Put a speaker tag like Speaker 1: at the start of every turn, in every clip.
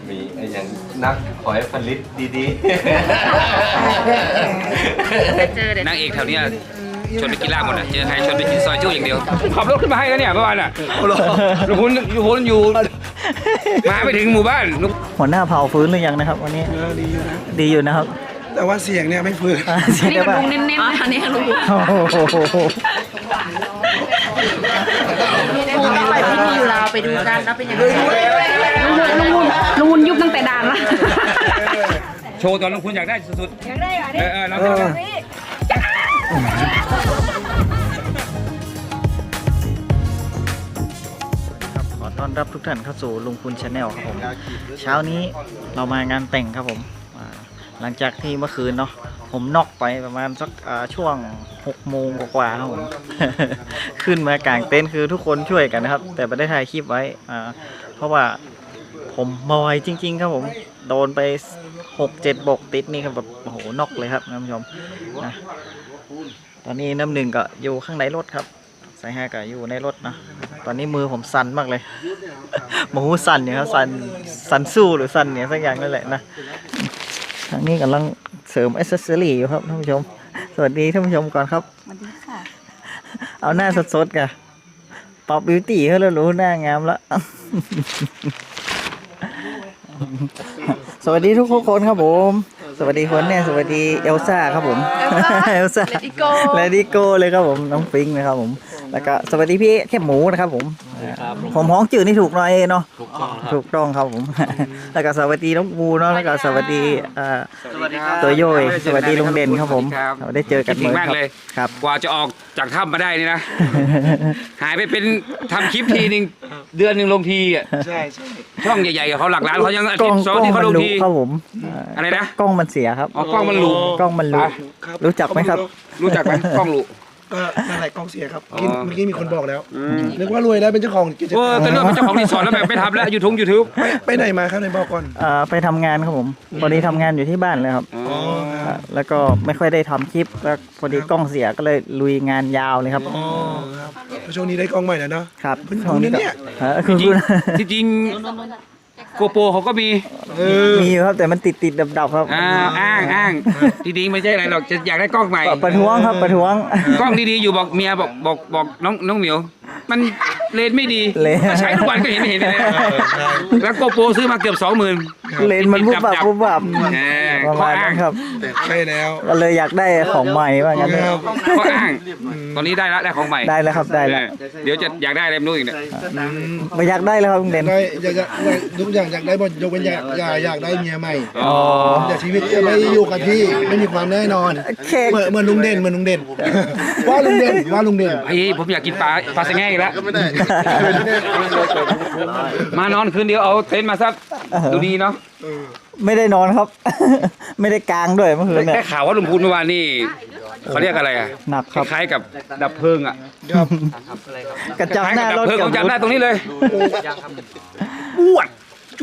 Speaker 1: มีไอ้อย่างนักขอให้ผลิตดีๆ
Speaker 2: นางเอกแถวเนี้ยชวนไปกินลาบหมดอ่ะเจอใครชวนไปกินซอยจุ้อย่างเดียวขับรถขึ้นมาให้แล้วเนี่ยเมื่อวานอ่ะลุงพุนอยู่มาไม่ถึงหมู่บ้าน
Speaker 3: หัวหน้าเผาฟื้นหรือยังนะครับวันนี้ดีอยู่นะดีอยู่นะครับ
Speaker 4: แต่ว่าเสียงเนี่ยไม่ฟื้น
Speaker 3: เสียงได้ป่ะ
Speaker 5: เน้นๆอันนี้ลุงไปพิธีอยู่ลาวไปดูกันแล้วเป็นยังไงลุงวุนยุบตั้งแต่ด่านละ
Speaker 2: โชว์ตอนลุงพุนอยากได้สุดๆอยากได้เราจะ
Speaker 3: ขอต้อนรับทุกท่านเข้าสู่ลุงพุนชาแนลครับผมเช้านี้เรามางานแต่งครับผมหลังจากที่เมื่อคืนเนาะผมน็อกไปประมาณสักช่วง6 โมงกว่าครับผม ขึ้นมากางเต็นท์คือทุกคนช่วยกันนะครับแต่ไม่ได้ถ่ายคลิปไว้เพราะว่าผมมอยจริงๆครับผมโดนไป6-7 บกติดนี่ครับแบบโอ้โหน็อกเลยครับท่านผู้ชมนะตอนนี้น้ำหนึ่งก็อยู่ข้างในรถครับสายห้าก็อยู่ในรถนะตอนนี้มือผมสั่นมากเลย หมูสั่นเนี่ยครับสั่นสู้หรือสั่นเนี่ยสักอย่างนั่นแหละนะทางนี้กำลังเสริมอิสเซอรี่อยู่ครับท่านผู้ชมสวัสดีท่านผู้ชมก่อนครับ
Speaker 5: สวัสดีค่ะ
Speaker 3: เอาหน้าสดๆกันป๊อปบิวตี้เขาแล้วรู้หน้างามแล้ว สวัสดีทุกคนครับผมสวัสดีคนเนี่ยสวัสดีเอลซ่าครับผมเอลซ่าเลดี้โก้เลยครับผมน้องฟิงค์นะครับผมแล้วก็สวัสดีพี่แค่หมูนะครับผมผมฮ้องจืดนี่ถูกหน่อยเนาะถูกต้องครับผมแล้วก็สวัสดีน้องบูเนาะแล้วก็สวัสดีตัวโยยสวัสดีลุงเด่นครับผมได้เจอกันเหมือนครับ
Speaker 2: กว่าจะออกจากถ้ำมาได้นี่นะหายไปเป็นทำคลิปทีนึงเดือนนึงลงทีอ่ะ
Speaker 4: ใช่
Speaker 2: ช่องใหญ่ๆเขาหลักล้านเขายังอาทิตย์2 ที่เขาลงที
Speaker 3: ครับผม
Speaker 2: อะไรนะ
Speaker 3: กล้องมันเสียครับ
Speaker 2: กล้องมันหลุ
Speaker 3: รู้จักไหมครับ
Speaker 2: รู้จักไหมกล้องหลุ
Speaker 4: ก็นั่นแหละกล้องเสียครับเมื่อกี้มีคนบอกแล้วนึกว่ารวยแล้วเป็นเจ้าของกิจการ
Speaker 2: ก็เรื่องเป็นเจ้าของรีสอร์ทแล้วแบบไม่ทำแล้วยูทูบ
Speaker 4: ไปไหนมาครับในบอกก่อน
Speaker 3: ไปทำงานครับผมพอดีทำงานอยู่ที่บ้านเลยครับแล้วก็ไม่ค่อยได้ทำคลิปแล้วพอดีกล้องเสียก็เลยลุยงานยาวเลยครับ
Speaker 4: ช่วงนี้ได้กล้องใหม่แล้วเนาะ
Speaker 3: ครับ
Speaker 4: ช่วงนี้เนี่ย
Speaker 2: จริงโกโปรเขาก็มี
Speaker 3: อยู่ครับแต่มันติดดับครับ
Speaker 2: อ้างจริงๆไม่ใช่อะไรหรอกจะอยากได้กล้องใหม่
Speaker 3: ประท้วงครับประท้วง
Speaker 2: กล้องดีๆอยู่บอกเมียบอกน้องเหมียวมันเลนไม่ดีใช้ทุกวันก็เห็นเลยแล้วโกโปรซื้อมาเกือบ 20,000
Speaker 3: เลนมันบุบบับประมาณนั้นครับ
Speaker 4: ใช่แล้ว
Speaker 3: ก็เลยอยากได้ของใหม่ว่างั้น
Speaker 2: ก็อ้างตอนนี้ได้แล้วได้ของใหม่
Speaker 3: ได้แล้วครับได้แล้ว
Speaker 2: เดี๋ยวจะอยากได้อะไรไม่รู้อีกเนี่ย
Speaker 3: ไม่อยากได้แล้วครับลุงเด่น
Speaker 4: ทุกอย่างอยากได้หมดยกเว้นอยากได้เมียใหม่แต่ชีวิตจะไม่อยู่กับที่ไม่มีความแน่นอนเหมือนลุงเด่นว่าลุงเด่น
Speaker 2: ผมอยากกินปลาสแง่อีกแล้วมานอนคืนเดียวเอาเต็นท์มาซัดดูดีเนาะ
Speaker 3: ไม่ได้นอนครับไม่ได้กางด้วยเมื่อคืนเนี่ย
Speaker 2: ได้ข่าวว่าลุงพูนเมื่อวานนี่เขาเรียกอะไรอ่ะ
Speaker 3: หนักครับ
Speaker 2: คล้ายกับดับเพลิงอ่ะ
Speaker 3: กระจับหน้ารถ
Speaker 2: จับได้ตรงนี้เลยปวด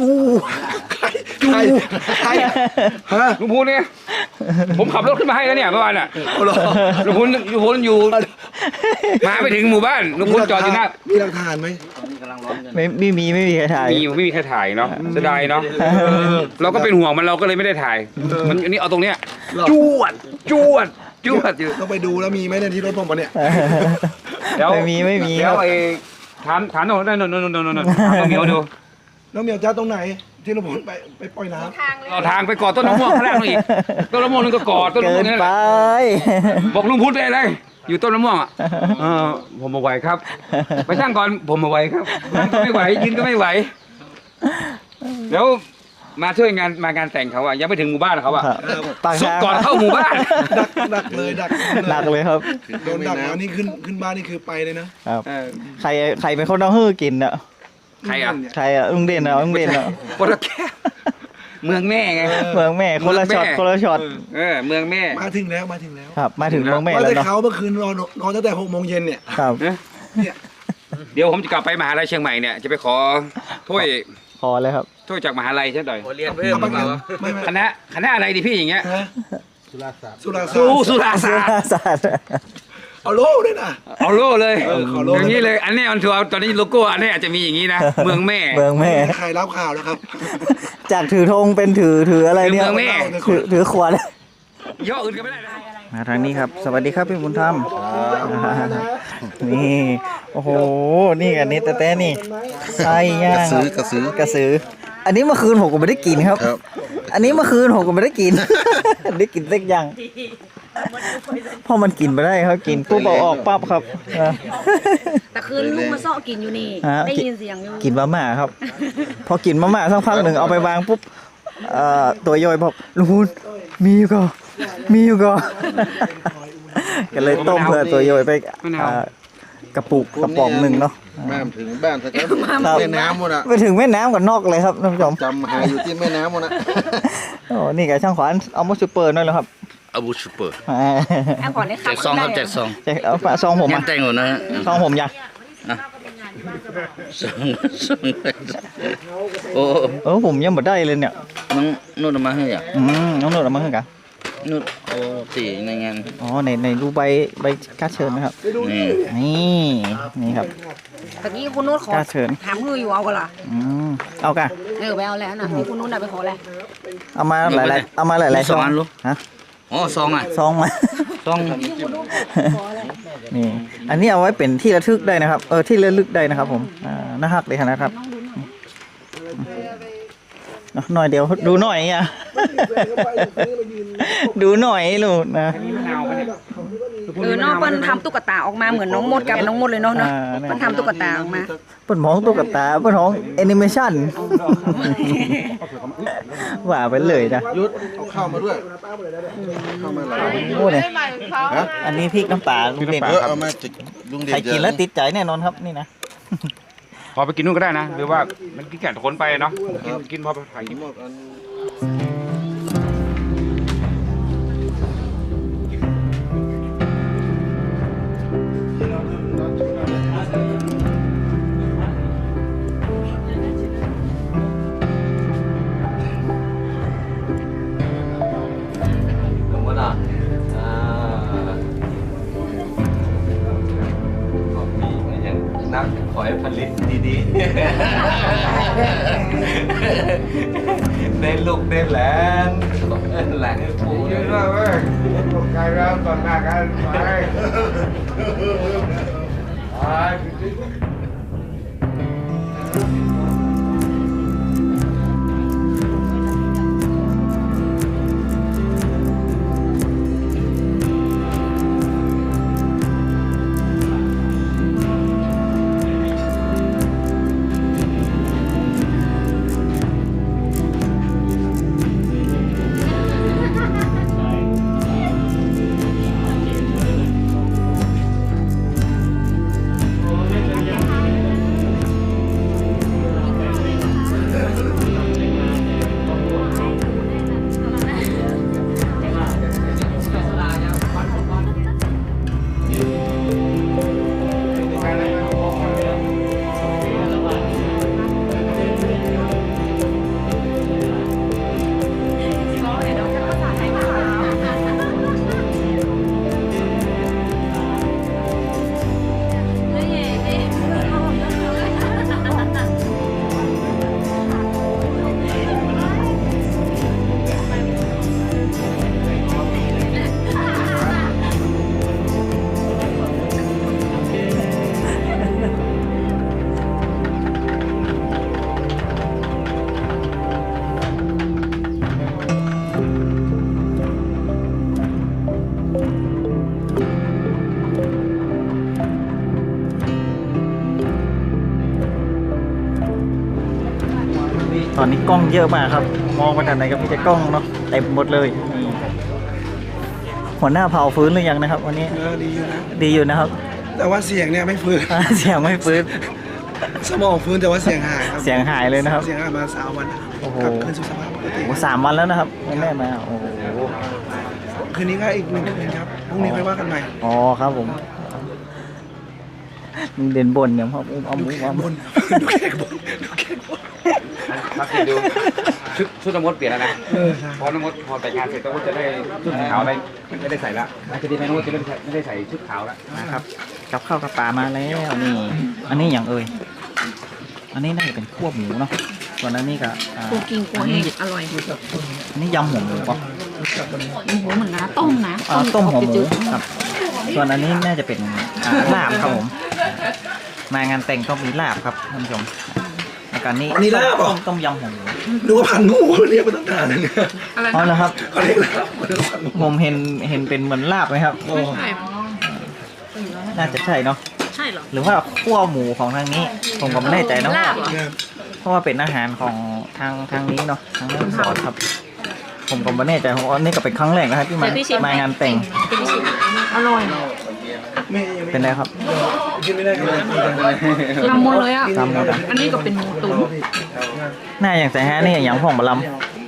Speaker 2: ใครลุงพูนเนี่ยผมขับรถขึ้นมาให้แล้วเนี่ยเมื่อวานอ่ะลุงพูนอยู่มาไม่ถึงหมู่บ้านลุงพูนจอดอยู่หน้า
Speaker 4: มีหลักฐานไหม
Speaker 3: ไม่มีใครถ่าย
Speaker 2: ไม่มีใครถ่ายเนาะเสียดายเนาะเราก็เป็นห่วงมันเราก็เลยไม่ได้ถ่ายมันอันนี้เอาตรงเนี้ยจวดอยู่
Speaker 4: ต้องไปดูแล้วมีไหมในที่รถผมปะเนี่ย
Speaker 3: ไม่มี
Speaker 2: แล้วไอ้ถามโน่นน้องเหมียวดู
Speaker 4: น้องเหมียวจ้าตรงไหนที่เราไปปล่อยน้
Speaker 2: ำต่อทางไปกอดต้นมะม่วงข้างล่างอีกต้นมะม่วงนึงก็กอดต้นมะม่วงนี่แหละบอกลุงพูดได้เลยอยู่ต้นมะม่วงอ่ะผมมาไหวครับไปช่างก่อนผมมาไหวครับไม่ไหวยืนก็ไม่ไหวแล้วมาช่วยมางานแต่งเขาอ่ะยังไม่ถึงหมู่บ้านเขาอ่ะซุกก่อนเข้าหมู่บ้าน
Speaker 4: ดักเลย
Speaker 3: ครับ
Speaker 4: โดนดักแล้วนี่ขึ้นบ้านนี่คือไปเลยนะครับ
Speaker 3: ใครเป็นคนเอาฮื้อกินอ่ะ
Speaker 2: ใครอ่
Speaker 3: ะลุงเด่นอ่ะ
Speaker 2: คนละแค่เมืองแม่ไง
Speaker 3: เมืองแม่คนละช็อต
Speaker 2: เมืองแม่
Speaker 4: มาถึงแล้ว
Speaker 3: ครับมาถึงเมืองแม่
Speaker 4: แล้วเนาะเขาเมื่อคืนนอนตั้งแต่6 โมงเย็นเนี่ย
Speaker 3: ครับ
Speaker 4: เนี่ย
Speaker 2: เดี๋ยวผมจะกลับไปมหาลัยเชียงใหม่เนี่ยจะไปขอถ้วย
Speaker 3: เลยครับ
Speaker 2: ถ้วยจากมหาลัยใช่ไหม
Speaker 1: เรียนเพิ่ม
Speaker 2: คณะอะไรดีพี่อย่างเงี้ย
Speaker 4: สุราศาสตร์เอาโล่ด้วยนะ
Speaker 2: เอาโล่เลย
Speaker 4: ขอโล่
Speaker 2: อย่างนี้เลย อันนี้อันทัวร์ตอนนี้โลโก้อันนี้อาจจะมีอย่างนี้นะ เมืองแม่
Speaker 3: เมืองแม่
Speaker 4: ใครรับข่าวแล้วครับ
Speaker 3: จากถือธงเป็นถืออะไรเนี่ย
Speaker 2: เมืองแม่
Speaker 3: ถือขวด
Speaker 2: ย่ออื่นก็ไม่ได้นะ
Speaker 3: มาทางนี้ครับ สวัสดีครับพี่บุญธรรมนี่โอ้โหนี่กันนี่แต่นี่ไส้ย่างกระสือ อันนี้เมื่อคืนผมก็ไม่ได้กินครับ อันนี้เมื่อคืนผมก็ไม่ได้กิน ได้กินเล็กย่างเพราะมันกินไปได้ครับกินปุ๊บเอาออกปั๊บครับ
Speaker 5: แต่คืนลุงมาซ้อกินอยู่นี่
Speaker 3: ฮะ
Speaker 5: ได้ยินเสียงอยู่
Speaker 3: กินมาม่าครับ พอกินมาม่าสักพักหนึ่งเอาไปวางปุ๊บตัวย่อยบอกลุงพูนมีอยู่ก็ก็เลยต้มเพื่อตัวย่อยไปกระปุกกระป๋องหนึ่งเนาะ
Speaker 6: แม่ถึงบ้านสักแล้ว
Speaker 3: ครับ
Speaker 6: แม่น้ำหมดอ่ะ
Speaker 3: ไปถึงแม่น้ำกับนอกเลยครับท่านผู้ชม
Speaker 6: จำหาอยู่ที่แม่น้ำหมดนะ
Speaker 3: โอ้นี่ไก่ช่างขวานเอามาซูเปอร์หน่อยแล้วครับ
Speaker 7: อาบูชูเปอร์
Speaker 5: แอบก่อนได้
Speaker 7: แจกซองครับแจกซอง
Speaker 3: แจกเอาฝาซองผม
Speaker 7: ยั
Speaker 3: อ่ะ
Speaker 7: งแต่งอยู่นะฮะ
Speaker 3: ซองผมยัง
Speaker 7: ซองโอ้
Speaker 3: ผมยังไม่ได้เลยเนี่ย
Speaker 7: น้องนุ่นเอามาให้อ่ะ
Speaker 3: น้องโนดเอามาให้กัน
Speaker 7: นุ่นโอ้ตีในงาน
Speaker 3: อ๋อในดูใบการ์ดเชิญนะครับ
Speaker 7: นี่
Speaker 3: นี่ครับ
Speaker 5: ตะกี้คุณนุชขอก
Speaker 3: ล้าเชิญ
Speaker 5: ถามคืออยู่เอากันล่ะ
Speaker 3: เอากัน
Speaker 5: ไปเอาแล้วนะที่คุณนุชน่ะไปขอแล้ว
Speaker 3: เอามาหลายๆซองฮะ
Speaker 7: อ๋อซองอ่ะ
Speaker 3: ซองมา
Speaker 7: ซอง
Speaker 3: นี่ อันนี้เอาไว้เป็นที่ระลึกได้นะครับ ที่ระลึกได้นะครับผมน่าฮักเลยนะครับหน่อยเดียวดูหน่อยอ่ะ ดูหน่อยลูกนะ
Speaker 5: น้องเปิ้ลทำตุ๊กตาออกมาเหมือนน้องมดกับน้องมดเลยเนาะเปิ้ลทำตุ๊กตาออกมา
Speaker 3: เปิดมองตุ๊กตาเปิดมองแอนิเมชั่นว่าไปเลยนะ
Speaker 6: ยุดเอาข้าวมาด้วยข้าวมาหลาย
Speaker 3: โอ้เนี่ยอันนี้พริกน้ำปลาลุงเด่น
Speaker 6: เอามาจากลุงเด่น
Speaker 3: ใครกินแล้วติดใจแน่นอนครับนี่นะ
Speaker 2: พอไปกินนู่นก็ได้นะ หรือว่ามันกินแก่คนไปเนาะ กินพอไปถ่ายกิน
Speaker 6: หมดอัน
Speaker 1: ลงมาหน่อยขอบมีอย่างนักขอให้ผลิตดีๆเน้นลูกเน้นแหลนแหลนให้ปูด้วยเว้ย
Speaker 2: ไกลแล้วตอนหน้ากันไป
Speaker 3: ตอนนี้กล้องเยอะมากครับ มองไปทางไหนก็มีแต่กล้องเนาะเต็มหมดเลยนี่หัวหน้าเผาฟื้นหรือยังนะครับ วันนี้
Speaker 4: ดีอยู่นะ
Speaker 3: ดีอยู่นะครับ
Speaker 4: แต่ว่าเสียงเนี่ยไม่ฟื้น
Speaker 3: เสียงไม่ฟื้น
Speaker 4: สมองฟื้นแต่ว่าเสียงหายครับ
Speaker 3: เสียงหายเลยนะครับ
Speaker 4: เสียงหายมา3 วัน
Speaker 3: โอ้โห
Speaker 4: กลับคืนสู่สภาพปกติ
Speaker 3: โอ้3 วันแล้วนะครับไม่แม่มาโอ้โห
Speaker 4: คืนนี้ก็อีก1 คืนครับพรุ่งนี้ค่อยว่ากันใหม่
Speaker 3: อ๋อครับผมเด่นบนเนี่ยครับเอา
Speaker 4: ดู
Speaker 3: มุ้ง
Speaker 4: แข
Speaker 3: เอา
Speaker 4: กบ
Speaker 3: มุ้ง
Speaker 4: นดูแขกบนดูแขกบน
Speaker 2: สังเกตดูชุดน้ำมดเปลี่ยนแล้วนะพอน้ำมดพอแต่งงานเสร็จน้ำมดจะได้ชุดขาวอะไรไม่ได้ใส่ละอาจจะดีน้ำมดจะไม่ได้ใส่ชุดขาวละ
Speaker 3: นะครับกับข้าวกับปลามาแล้วนี่อันนี้อย่างเอ่ยอันนี้น่าจะเป็นคั่วหมูเนาะส่วนอันนี้ก็
Speaker 5: กูกินกูเองอร่อย
Speaker 3: อันนี้ยำหัวหมูป่ะ
Speaker 5: โอ้โหเหมือนนะต้มนะ
Speaker 3: ต้มหัวหมูครับส่วนอันนี้น่าจะเป็นลาบครับผมมางานแต่งต้องมีลาบครับท่านผู้ชมแล้วกันนี้
Speaker 4: อันนี้ลาบเหรอ
Speaker 3: ต้มยำหัวหมู
Speaker 4: ดูว่าพันงูเรียกมาตั้งนานแล้วเนี่ย
Speaker 5: อะไร
Speaker 3: อ๋อเหรอครับ
Speaker 4: เขาเรียกลาบมาตั้งนาน
Speaker 3: ผมเห็นเป็นเหมือนลาบไหมครับ
Speaker 5: ไม่ใช่
Speaker 3: น่าจะใช่เนาะ
Speaker 5: ใช่เหรอ
Speaker 3: หรือว่าคั่วหมูของทางนี้ ผมก็ไม่แน่ใจเนาะ
Speaker 5: ลาบเหรอ
Speaker 3: เพราะว่าเป็นอาหารของทางนี้เนาะทางรีสอร์ทครับ ผมก็ไม่แน่ใจเพราะว่านี่ก็เป็นครั้งแรกนะครับที่มางานแต่ง
Speaker 5: อร่อย
Speaker 3: เป็นไรครับ
Speaker 4: กินไม่ได้เลย
Speaker 5: ลำหมดเลยอ่ะ
Speaker 3: ลำหมดอะ
Speaker 5: อันนี้ก็เป็นหมูตุ๋น
Speaker 3: หน้าอย่างแต่ฮะนี่อย่างพ่องบะลำ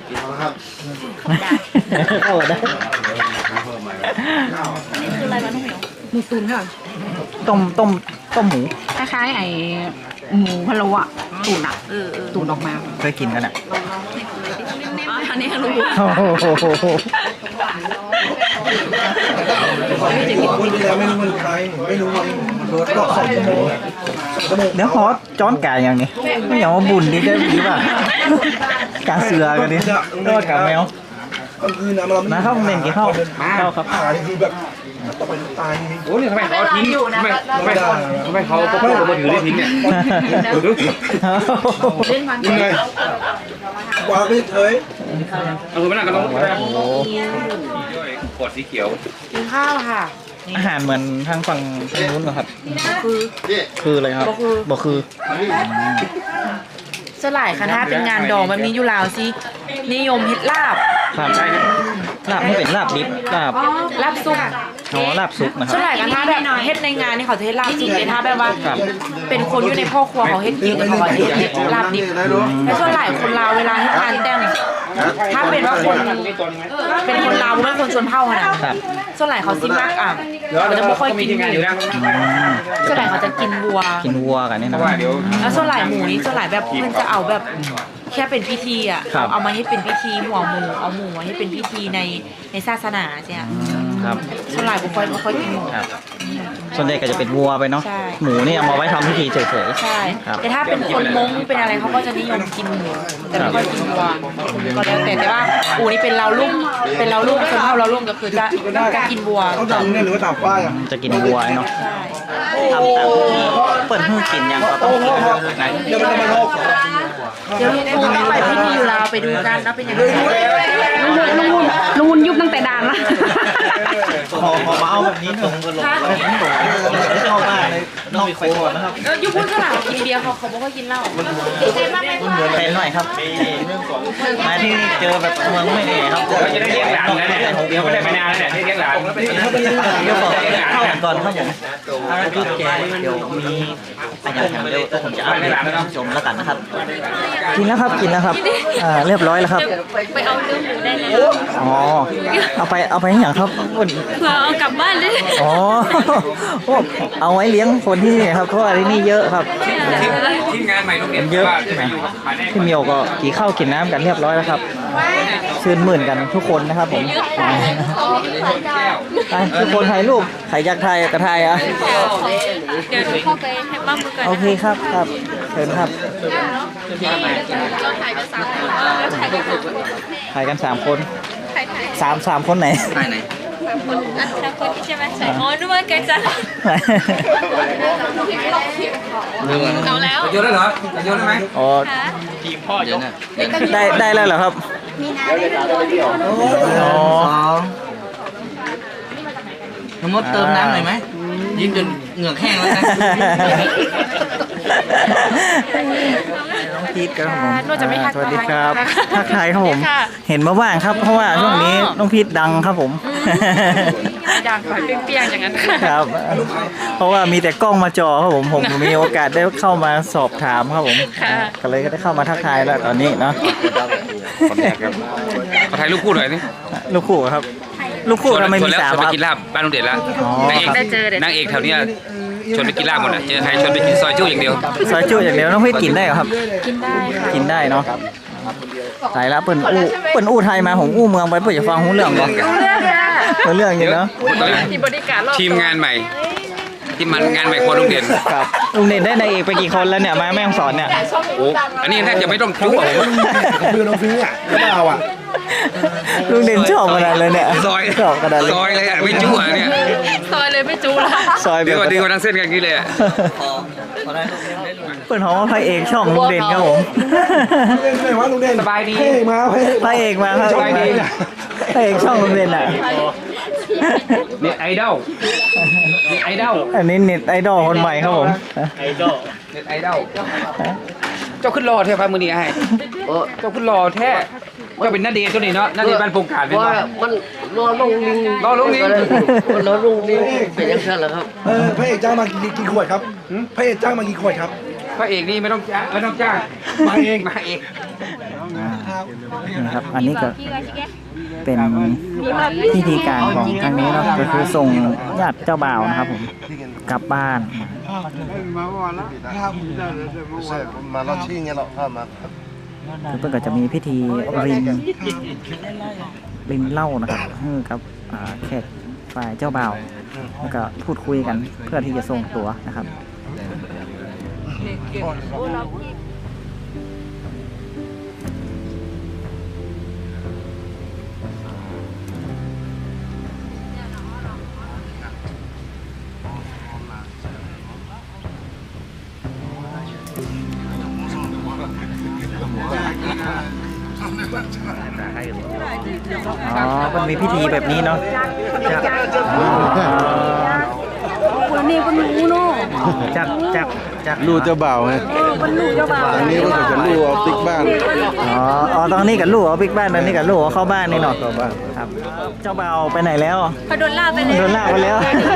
Speaker 3: เข้าได้
Speaker 5: นี่คืออะไรวะน้องเหมียวหมูตุ๋นค่ะ
Speaker 3: ต้มหมู
Speaker 5: คล้ายๆไอ้หมูพะโล้อะตุ๋นอะตุ๋นออกมา
Speaker 3: เคยกินกันอ่ะ
Speaker 5: อันนี้รู้
Speaker 3: โอ้โห
Speaker 4: คนที่แล้วไม่รู้มันใครไม่รู้มันรถก็2 ชั่วโมง
Speaker 3: เดี๋ยวขอจ้อนกายอย่างนี้ไม่อย่างว่าบุญดีได้ดีป่ะกาเสือกันดิรอดกับแมว
Speaker 4: ก็คือนะเรา
Speaker 3: นะครับเน้นกี่เข้าครับ
Speaker 4: หานี่คือแบบต่อไปตาย
Speaker 2: โอ้นี่ทำไมเขาทิ้งทำไมเขาพกมือถือได้ทิ้งเนี่ย
Speaker 5: เล่นวัน
Speaker 4: ยังไงวางไม่เฉย
Speaker 2: เอามือมานั่งกันลงขวดสีเขียว
Speaker 5: กินข้าวค่ะ
Speaker 3: อาหารเหมือนทางฝั่งนู้นเหรอครับ คืออะไรครับบอกคือ
Speaker 8: สลายค่ะถ้าเป็นงานดองแบบนี้อยู่ลาวสินิยมเฮ็ดลาบ
Speaker 3: ครับใช่ลาบไม่เป็นลาบดิบลาบ
Speaker 8: ซุป
Speaker 3: อ๋อลาบซุปนะค
Speaker 8: ส
Speaker 3: รับ
Speaker 8: ลายกันถ้าแบบเฮ็ดในงานนี่เขาจะเฮ็ดลาบซุปเลยถ้าแบบว่า เป็นคนอยู่ในพ่อครัวเขาเฮ็ดกินเขาก็เฮ็ดลาบดิบแต่ส่วนหลายคนลาวเวลาเฮ็ดงานแต่งถ้าเป็นว่าคนเป็นคนลาวไม่คนชนเผ่าขนาด
Speaker 3: ครับ
Speaker 8: ส่วนหลายเขาสิมากเขาจะไม่ค่อยกินหมูส่วนหลายเขาจะกินวัว
Speaker 3: กินวัวกันนี่นะ
Speaker 8: แล้วส่วนหลายหมูนี่ส่วนหลายแบบเพื่อนจะเอาแบบแค่เป็นพิธีอ่ะ
Speaker 3: ครับ
Speaker 8: เอามาให้เป็นพิธีหัวหมูเอาหมูมาให้เป็นพิธีในศาสนาใช่ไหม
Speaker 3: ครับ
Speaker 8: ส่วนหลายบุคคลไม่ค่อยกินหมู
Speaker 3: ครับ ส่วนใหญ่ก็จะเป็นวัวไปเนาะ
Speaker 8: ใช่
Speaker 3: หมูนี่เอามาไว้ทำพิธีเฉย
Speaker 8: ใช่
Speaker 3: ครับ
Speaker 8: แต่ถ้าเป็นคนมงเป็นอะไรเขาก็จะนิยมกินหมูแต่ไม่ค่อยกินวัวก็แล้วแต่ว่าอูนี่เป็นเราลุ่มคนเท่าเราลุ่มก็คือจะกินวัว
Speaker 4: เขาดำเนี่ยหรือว่าตามป้ายอ่ะ
Speaker 3: ๆจะกินวัวเนาะ
Speaker 8: ใช่
Speaker 3: ทำตามพิธีเปิดให้กินยังก็ต้องกินไหน
Speaker 4: เดี๋ยวมันจะมาโลก
Speaker 8: เดี๋ยวคงต้องไปพิธีอยู่ลาวไปดูกันนะเป็นยังไง
Speaker 5: ลุงวุนยุบตั้งแต่ด่านละ
Speaker 3: ขอมาเอาแบบนี้หนึ่งก็ลงเข้ามาเลยนอกไปก่อนนะครับ
Speaker 8: อยู่พูดสลาวกินเบียร์เขาไม่ค่อยกินเหล้า
Speaker 3: เป็นหน่อยครับมาที่นี่เจอแบบเมืองไม่แน่ครับ
Speaker 2: เราจะได้เลี้ยงหลานนะเนี่ยเดี๋ยวไม่ได้ไปนานเนี่ยได้เลี้ยงหลาน
Speaker 3: เดี๋ยวบอกเข้าก่อนครับผมจุดแกเดี๋ยวมีอาหารเดี๋ยวผมจะเอาไปชมแล้วกันนะครับ กินแล้วครับกินแล้วครับเรียบร้อยแล้วครับ
Speaker 5: ไปเอาเนื้อหมูได้เลย
Speaker 3: อ๋อเอาไปให้อย่างครับ
Speaker 5: เผื่อเอากลับบ้านเลย
Speaker 3: อ๋อโอ้เอาไว้เลี้ยงคนที่นี่ครับเพราะว่าที่นี่เยอะครับ
Speaker 2: ทีมงานใหม่โรงเรียน
Speaker 3: เยอะ
Speaker 2: ว่าจะไปอยู่กับมาแน่
Speaker 3: พี่เมียวก็กินข้าวกินน้ำกันเรียบร้อยแล้วครับชื่นมื่นกันทุกคนนะครับผมไปทุกคนถ่ายรูปใครอยากถ่ายก็ถ่ายอ่ะ
Speaker 5: เดี๋ยวเข้าไปให้บ้านมือกัน
Speaker 3: โอเคครับครับเชิญครับ
Speaker 5: เราถ่ายกัน3 คนถ่ายกัน3 คน
Speaker 3: ถ่ายกัน3 คน
Speaker 5: ถ่าย
Speaker 3: สามคนไหน
Speaker 7: ภายใน
Speaker 5: 3 คนอัน3 คนใช่ไหมใช่อ๋อนึกว่าแกจะเอาแล้ว
Speaker 2: โยนได้เหรอโยนได้ไหม
Speaker 3: อ๋อ
Speaker 7: เดี๋ยวนะ
Speaker 3: ได้แล้วเหรอครับอ๋อ
Speaker 7: น้ำมดเติมน้ำหน่อยไหมยิ้มจนเหงือกแห้งแล้วนะ
Speaker 3: น้องพีทครับผม
Speaker 8: นวดจะไม่ทัก
Speaker 3: สวัสดีครับ
Speaker 8: ทาย
Speaker 3: ทักทายครับผม
Speaker 8: ค่ะ
Speaker 3: เห็นมาบ้างครับ เพราะว่าช่วงนี้น้องพีทดังครับผม
Speaker 8: ด่างขอยเปี้ยงๆอย่างนั้น
Speaker 3: ครับ เพราะว่ามีแต่กล้องมาจอครับผมมีโอกาสได้เข้ามาสอบถามครับผม ก็เลยได้เข้ามาทักทายแล้วตอนนี้เนาะ
Speaker 2: คนแรกครับขอถ่ายรูปคู่หน่อยนี่
Speaker 3: ลูกคู่ครับ ลูกคู่ทำไมมี
Speaker 2: แล้ว
Speaker 3: 3
Speaker 2: ชวน
Speaker 3: ค
Speaker 2: ไป
Speaker 3: รับ
Speaker 2: กินลาบบ้านลุงเด็ดละ
Speaker 3: อ๋อ
Speaker 2: นางเอกแถวเนี้ยชวนไปกินลาบหมดอะเจอใครชวนไปกินซอยจู้อย่างเดียว
Speaker 3: ซอยจุอย่างเดียวน้องเฮ้ยกินได้เหรอครับ
Speaker 8: กินได้ค่ะ
Speaker 3: กินได้เนาะสายละเปิ่นอู้ไทยมาผมอู้เมืองไปเปิ่นจะฟังหูเรื่องก่อนเรื่องอยู่เนาะ
Speaker 2: ทีมงานใหม่ ที่มันงานใหม่คนลุงเด่น
Speaker 3: ครับลุงเด่นได้นายเอกไปกี่คนแล้วเนี่ยมาแม่ฮ่องสอนเนี่ย
Speaker 2: โอ้อันนี้แทบจะไม่ต้องจุ๊บอะผม
Speaker 4: คือน้องซื้ออ่ะไม่เอาอ่ะ
Speaker 3: ลุงเด่นชอบขนาดเลยเนี่ย
Speaker 2: ซอย
Speaker 3: ชอบขนาดเลย
Speaker 2: ซอยเลยอะไม่จุ๊บอะเนี่ย
Speaker 8: ซอยเลยไม่จูละ
Speaker 3: ซอย
Speaker 2: ดึงมาทั้งเส้นกันกี้เลยอะ
Speaker 3: เปิ่นหอมว่าพระเอกช่องลุงเด่นครับผม
Speaker 4: เล่นไหนวะลุงเด่น
Speaker 2: สบายดี
Speaker 4: เฮ้ยมาเฮ้ย
Speaker 3: พระเอกมาครับ
Speaker 2: สบายดี
Speaker 3: พระเอกช่องลุงเด่นอ่ะ
Speaker 2: เน็ตไอดอลเน็ตไอดอล
Speaker 3: อันนี้เน็ตไอดอลคนใหม่ครับผม
Speaker 2: เน็ตไอดอลเจ้าขึ้นรอแท้พามือนี่ให้เจ้าขึ้นรอแท้เจ้าเป็นนาเดชน์ตัวนี้เนาะนาเดชน์บ้านโป่งกาดเป็น
Speaker 7: ว่า
Speaker 2: เนาะ
Speaker 7: มันรอลงลิง
Speaker 2: รอลงลิง
Speaker 7: มันรอลงลิงเป็นยังไงล่ะครับ
Speaker 4: พระเอกจ้างมากี่ขวดครับพระเอกจ้างมากี่ขวดครับ
Speaker 2: พระเอกนี่ไม่ต้องจ้างมาเอง
Speaker 3: นะครับอันนี้ก็เป็นพิธีการของทางนี้เนาะก็คือส่งญาติเจ้าบ่าวนะครับผมกลับบ้าน
Speaker 6: มาเราชี้เงี้ยเราเข้ามา
Speaker 3: คือเพื่อนก็จะมีพิธีรินเหล้านะครับให้กับแขกฝ่ายเจ้าบ่าวแล้วก็พูดคุยกันเพื่อที่จะส่งตัวนะครับ อ๋อ มันมีพิธีแบบนี้เนาะ
Speaker 5: คนนี้คนหนูเนาะ
Speaker 3: จาก
Speaker 6: ลูกเจ้าบ่าวไง
Speaker 5: คนหนูเจ้าบ่าว
Speaker 6: อันนี้ก็จะลูกเอาติ๊กบ้าน
Speaker 3: อ๋อตอนนี้กับลูกเอาบิ๊กบ้านตอนนี้กับลูกเอาเข้าบ้านนี่เนาะครับ เจ้าบ่าวไปไหนแล้ว
Speaker 5: เขาโดนล่าไปเลย
Speaker 3: โดนลากไปแล้ว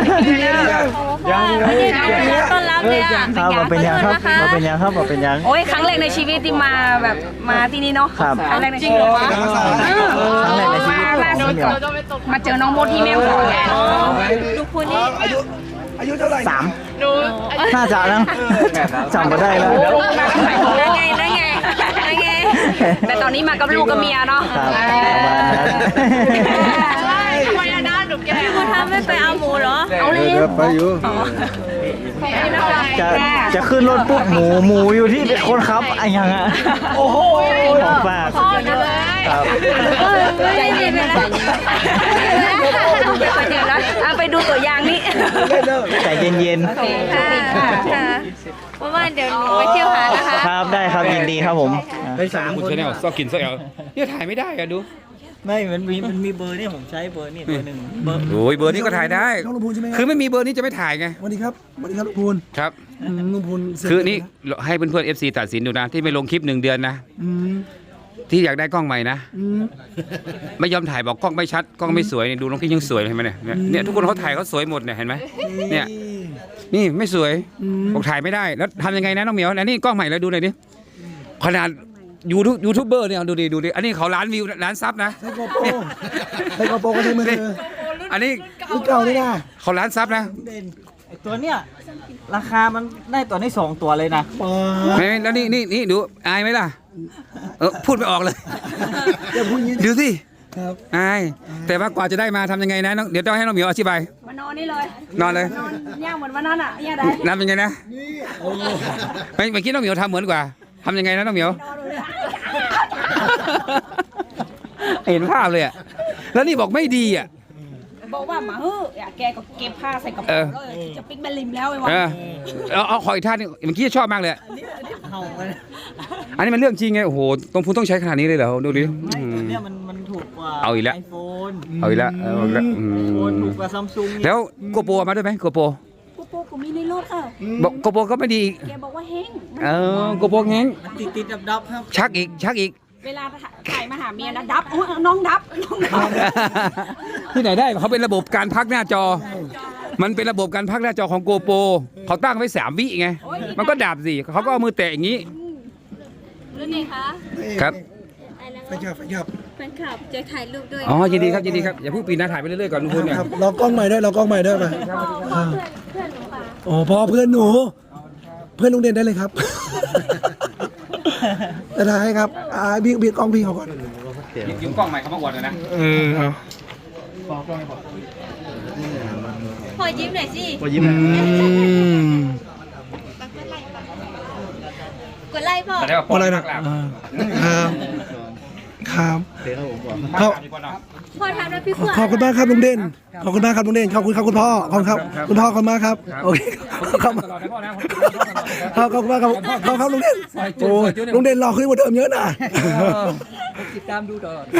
Speaker 5: ยังต้อนรับเลยอ่ะ
Speaker 3: ครับมาเป็นยังครับมาเป็นยังครับมาเป็นยัง
Speaker 5: โอ้ยครั้งแรกในชีวิตที่มาแบบมาที่นี่เนาะ
Speaker 3: ครับ
Speaker 5: ครั้งแรกในชีวิต
Speaker 3: ครั้งแรกในชีวิต
Speaker 5: มา
Speaker 3: ของเหมียว
Speaker 5: มาเจอน้องโมดที่แม่ฮ่องสอนไงดูคนนี้
Speaker 4: อายุเท่าไหร่
Speaker 3: น่าจะนะจำมาได้แล้ว
Speaker 5: ได้ไงได้ไงได้ไงแต่ตอนนี้มากับลูกกับเมียเนาะ
Speaker 3: ครับประมาณนั้น
Speaker 5: ทำไมอะนะหนูแกคุณทำไม่ไปเอาหมูเหรอเอาเลย
Speaker 6: ไปอยู่
Speaker 3: จะขึ้นรถปุ๊บหมูอยู่ที่คนขับไอ้ยังอ่ะโอ้โหของฝากครับ
Speaker 5: ใจเย็นเลยนะไปดูตัวอย่างนี่
Speaker 3: ใจเย็น
Speaker 5: เพราะว่าเดี๋ยวหนูไปเที่ยวหานะคะ
Speaker 3: ๆครับได้ครับยินดีครับผม
Speaker 2: คุณชาแนลซอกกินซอกเอาเนี่ยถ่ายไม่ได้อะดู
Speaker 3: ไม่มันมีเบอร์นี่ผมใช้เบอร์นี่เบอร์หนึ่งเบอร์
Speaker 2: โอ้ยเบอร์นี้ก็ถ่ายได้
Speaker 4: น้องลุงพูนใช่ไหม
Speaker 2: คือไม่มีเบอร์นี้จะไม่ถ่ายไง
Speaker 4: สวัสดีครับสวัสดีครับลุงพูน
Speaker 2: ครับ
Speaker 4: ลุงพูนเสร็จ
Speaker 2: คือนี่ให้เพื่อนๆ FC ตัดสินดูนะ ที่ไม่ลงคลิป1 เดือนนะ
Speaker 4: อืม
Speaker 2: ที่อยากได้กล้องใหม่นะ
Speaker 4: อืม
Speaker 2: ไม่ยอมถ่ายบอกกล้องไม่ชัดกล้องไม่สวยเนี่ยดูน้องกิ๊กยังสวยเลยเห็นไหมเนี่ยเนี่ยทุกคนเขาถ่ายเขาสวยหมดเนี่ยเห็นไหมเนี่ยนี่ไม่สวยบอกถ่ายไม่ได้แล้วทำยังไงนะน้องเหมียวอันนี้กล้องใหม่แล้วดูหน่อยดิขนาดยูทูบเบอร์เนี่ยดูดิอันนี้เขาล้านวิวล้านซับนะ
Speaker 4: ใช้กระโปรงก็ใช้มือถือ
Speaker 2: อันนี้
Speaker 4: รุ่นเก่านี่นะ
Speaker 2: เขาล้านซับนะ
Speaker 3: ไอตัวเนี้ยราคามันได้ตัวนี้2 ตัวเลยนะ
Speaker 2: ไม่แล้วนี่ดูอายไหมล่ะพูดไม่ออกเลย
Speaker 4: อย่าพูดอย่างนี้
Speaker 2: ดูสิ
Speaker 4: ครับ
Speaker 2: อายแต่ว่ากว่าจะได้มาทำยังไงนะเดี๋ยวต้องให้น้องเหมียวอธิบาย
Speaker 5: มานอนนี่เลย
Speaker 2: นอนเลย
Speaker 5: ย่างเหมือนวันนั้นอ่ะย่างได้
Speaker 2: ทำยังไงนะเมื่อกี้น้องเหมียวทำเหมือนกว่าทำยังไงนะน้องเหมียว เห็นภาพเลยอ่ะแล้วนี่บอกไม่ดีอ่ะ
Speaker 5: บอกว่าหมาแกก็เก็บผ้าใส่กระเป๋าเลยจะปิ๊กแบลิมแล้วไอ้วะ
Speaker 2: เอาขออีกท่านึงเมื่อกี้ชอบมากเลยอันนี้มันเรื่องจริงไงโอ้โหต้องพูดต้องใช้ขนาดนี้เลยเหรอดูดิ
Speaker 3: ตัวเนี้ยมันถูกกว่า
Speaker 2: เอาอีกแล้ว
Speaker 3: ไอโฟน
Speaker 2: เอาอีกแล้วเอาอีกแล้ว
Speaker 3: โฟนถูกกว่าซัมซุง
Speaker 2: แล้วโกโปรมาด้วยไหมโกโปร
Speaker 5: กูโปกูมีในรถค่ะ
Speaker 2: บอกโกโปรก็ไม่ดีอีก
Speaker 5: แกบอกว่าเฮง
Speaker 2: โกโปรแง้ง
Speaker 3: ติดดับครับ
Speaker 2: ชักอีก
Speaker 5: เวลาถ่ายมาหาเมียนะดับน้องดับ
Speaker 2: ที่ไหนได้เขาเป็นระบบการพักหน้าจอ มันเป็นระบบการพักหน้าจอของโกโปรเขาตั้งไว้3 วิไงมันก็ดับสิเขาก็เอามือแตะอย่างนี้
Speaker 5: แล้วไงคะ
Speaker 2: ครับ
Speaker 4: ไปครับไปครับ
Speaker 5: แฟนคลับจะถ่ายรูปด้วย
Speaker 2: อ๋อยินดีครับอย่าเพิ่งปีนนะถ่ายไปเรื่อยๆก่อนลุงพลเนี่ย
Speaker 4: ครับเรากล้องใหม่ด้วยเรากล้องใหม่ด้วยไป
Speaker 5: เพื่อนหนูค่ะ
Speaker 4: โอ้พ่อเพื่อนหนู เพื่อนลุงเด่นได้เลยครับ จะถ่ายให้ครับพี่กล้องพี่เขาก่อน
Speaker 2: ยิ้มกล้องใหม่เขามาอวดเลยนะ
Speaker 4: เอา
Speaker 5: ขอยิ้มหน่อยสิ กดไลค์บอก
Speaker 2: แต่ได้ว่า
Speaker 4: อะไรนะครับครับ
Speaker 5: พ่อทำแล้วพี่ขวัญ
Speaker 4: ขอบคุณมากครับลุงเด่นขอบคุณมากครับลุงเด่นขอบคุณครับคุณพ่อขอบคุณครับคุณพ่อขอบคุณมากครับโอเคขอบคุณ
Speaker 2: ตลอดนะพ่อนะ
Speaker 4: ขอบคุณมากครับขอบคุณครับลุงเด่นโอ้ยลุงเด่นหล่อขึ้นกว่าเดิมเยอะนะ
Speaker 7: ติดตามดูตลอด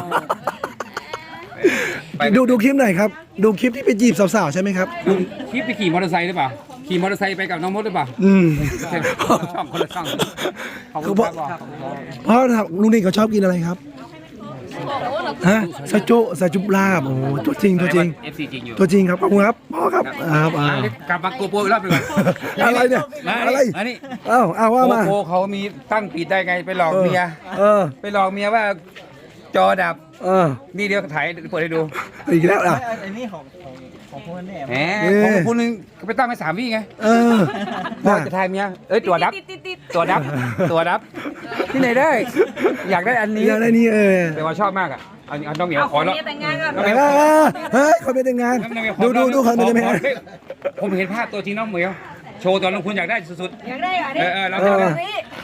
Speaker 4: ดูคลิปหน่อยครับดูคลิปที่ไปจีบสาวๆใช่ไหมครับ
Speaker 2: คลิปไปขี่มอเตอร์ไซค์หรือเปล่าขี่มอเตอร์ไซค์ไปกับน้องมดหรือเปล่า ช่องคนละช่องขอบคุณครับ
Speaker 4: เพราะลุงเด่นเขาชอบกินอะไรครับฮะซาจุลาบโอ้ตัวจริง
Speaker 2: FC จริงอยู่
Speaker 4: ตัวจริงครับขอบคุณครับพ่อครับครับ
Speaker 2: กลับมาโกโปรอีกรอบหนึง
Speaker 4: อะไรเนี่ยอะไร
Speaker 2: อันนี้
Speaker 4: เอาว่า
Speaker 2: โก
Speaker 4: มา
Speaker 2: โปรเขามีตั้งปิดได้ไงไปหลอกเมีย ไปหลอกเมียว่าจอดับนี่เดี๋ยวถ่ายเปิดให้ดู
Speaker 4: อีกแล้วอ่ะ
Speaker 3: อันนี้ของพวกแน่
Speaker 2: แหมของคุณนึงไปตั้งไป3 วิไงพอจะถ่ายเมียตัวดับตัวดับที่ไหนได้ อยากได้อันนี้
Speaker 4: อย่างไรนี่
Speaker 2: แต่ว่าชอบมากอ่ะเอาน้องเหมียว
Speaker 8: เอา
Speaker 2: ข
Speaker 8: ข
Speaker 2: อ
Speaker 8: อ
Speaker 2: แล้ว
Speaker 8: เมียแต่งงานก่อน
Speaker 4: เฮ้ยคนเป็นแต่งงานดูคนเป็นแต่งงาน
Speaker 2: ผมเห็นภาพตัวจริงน้องเหมียวโชว์ตอนลงคุณอยากได้สุด
Speaker 8: อยากได้เหรอ
Speaker 2: ๆ
Speaker 8: เนี่ย
Speaker 2: เราจะได้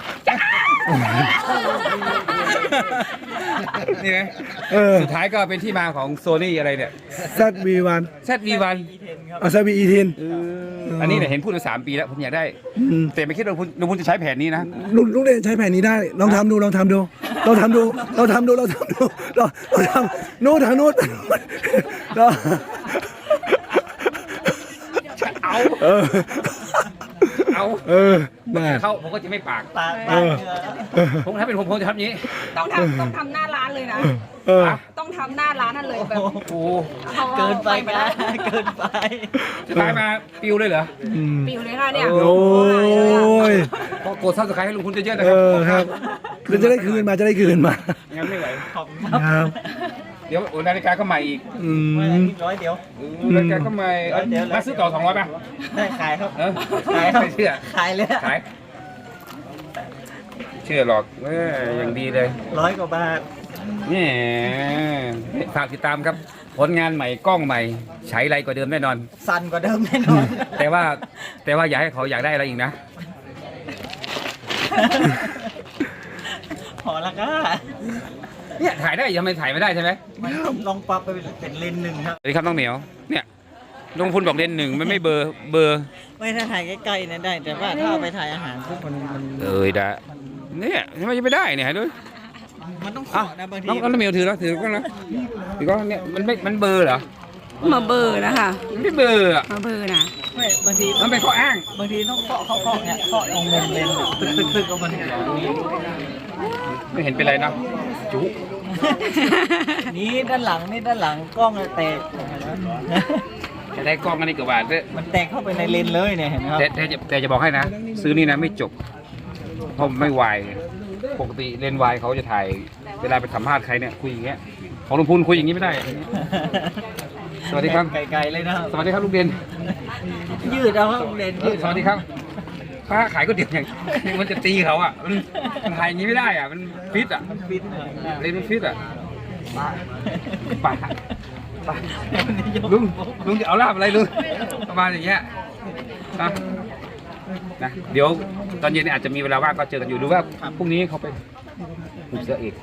Speaker 2: นี่ไงสุดท้ายก็เป็นที่มาของโซนี่อะไรเนี่ย
Speaker 4: ZV1
Speaker 2: ZV1
Speaker 4: ZV-E10
Speaker 2: อันนี้เนี่ยเห็นพูดมา3 ปีแล้วผมอยากได้แต่ไม่คิดว่าลุงพุนจะใช้แผนนี้นะ
Speaker 4: ลุงเด่นใช้แผนนี้ได้ลองทำดูนู่นทางนู้น
Speaker 2: เอา
Speaker 4: มา
Speaker 2: เขาผมก็จะไม่ปาก
Speaker 3: ปาก
Speaker 2: ผมถ้าเป็นผมจะทำอย่างนี้
Speaker 8: ต้องทำหน้าร้านเลยนะ ต้องทำหน้าร้านนั่นเลยแบบ
Speaker 2: โอ้
Speaker 3: เกินไปนะเกินไป
Speaker 2: จะตายมาปิวเลยเหรอ
Speaker 8: ปิวเลยค่ะเนี่ย
Speaker 4: โอ้ย
Speaker 2: ก็กดซับสไครต์ให้ลุงพุนเยอะๆนะครั
Speaker 4: ครับจะได้คืนมา
Speaker 2: งั้นไม่ไหว
Speaker 4: ครับ
Speaker 2: เดี๋ยวนาฬิกาก็ใหม่อีก
Speaker 3: 100เดี๋ยว
Speaker 2: นาฬิกาก็ใหม่มาซื้อต่อ200ป่ะ
Speaker 3: ได้ขายครับ
Speaker 2: ขายไม่เชื่อ
Speaker 3: ขายเลย
Speaker 2: ขายเชื่อหรอกอย่างดีเลย
Speaker 3: 100 กว่าบาท
Speaker 2: นี่ฝากติดตามครับ ผลงานใหม่กล้องใหม่ใช้ไรกว่าเดิมแน่นอน
Speaker 3: สั่นกว่าเดิมแน่นอน
Speaker 2: แต่ว่าอยากให้เขาอยากได้อะไรอีกนะ
Speaker 3: พอละก็
Speaker 2: เนี่ยถ่ายได้ยังไม่ถ่ายไม่ได้ใช่ไหม
Speaker 3: ลองปรับไปเป็นเลนส์หนึ่งครับ
Speaker 2: สวัสดีครับน้องเหมียวเนี่ยลุงพุนบอกเลนส์ 1มันไม่เบอร์
Speaker 3: ไม่ถ้าถ่ายใกล้ๆเนี่ยได้ แต่ว่าถ้าเอาไปถ่ายอาหารปุ๊บมัน
Speaker 2: ได้เนี่ยทำไมจะไม่ได้เนี่ยดู
Speaker 3: มันต้องขอนะบางที
Speaker 2: น้องเหมียวถือแล้วถือก็นะถือก็เนี่ยมันเบอร์เหรอ
Speaker 5: มาเบอร์นะคะ
Speaker 2: มันไม่เบอร์อ่ะ
Speaker 5: มาเบอร์นะ
Speaker 3: ไม่บางที
Speaker 2: มันเป็นข้ออ้าง
Speaker 3: บางทีต้องเคาะเนี่ยเคาะตรงมุมเลนส์ตึกก็มัน
Speaker 2: ไม่เห็นเป็นไรนะจุ
Speaker 3: นี่ด้านหลังกล้องแตก
Speaker 2: จะได้กล้องอันนี้กับบาทด้วย
Speaker 3: มันแตกเข้าไปในเลนส์เลยเนี่ยเห็นไหมครับ
Speaker 2: แต่จะบอกให้นะ ซื้อนี่นะไม่จบเพราะไม่วายปกติเลนส์วายเขาจะถ่ายเวลาไปสัมภาษณ์ใครเนี่ยคุยอย่างเงี้ยของลุงพูนคุยอย่างนี้ไม่ได้ สวัสดีครับ
Speaker 3: ไกลๆเลยนะครับ
Speaker 2: สวัสดีครับลุงเด่น
Speaker 3: ยืดเอาครับเลนส์ยืด
Speaker 2: สวัสดีครับป้าขายก๋วยเตี๋ยวอย่างมันจะตีเขาอ่ะมันถ่ายอย่างนี้ไม่ได้อ่ะมันฟิตอ่ะ
Speaker 3: ฟิต
Speaker 2: เลนส์มันฟิตอ่ะป้าลุงจะเอาลาบอะไรลุงประมาณอย่างเงี้ยนะเดี๋ยวตอนเย็นอาจจะมีเวลาว่างก็เจอกันอยู่ดูว่าพรุ่งนี้เขาไปหุบเสือเอก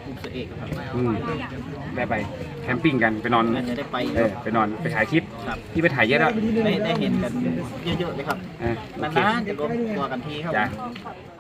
Speaker 2: ได้ไปแคมปิ้งกันไปนอน
Speaker 3: จะได้ไป
Speaker 2: ไปนอนไปถ่ายคลิปที่ไปถ่ายเยอะแล้ว
Speaker 3: ได้เห็นกันเยอะๆเลยครับนานๆจะรวมตัวกันทีครับ
Speaker 2: จ้ะ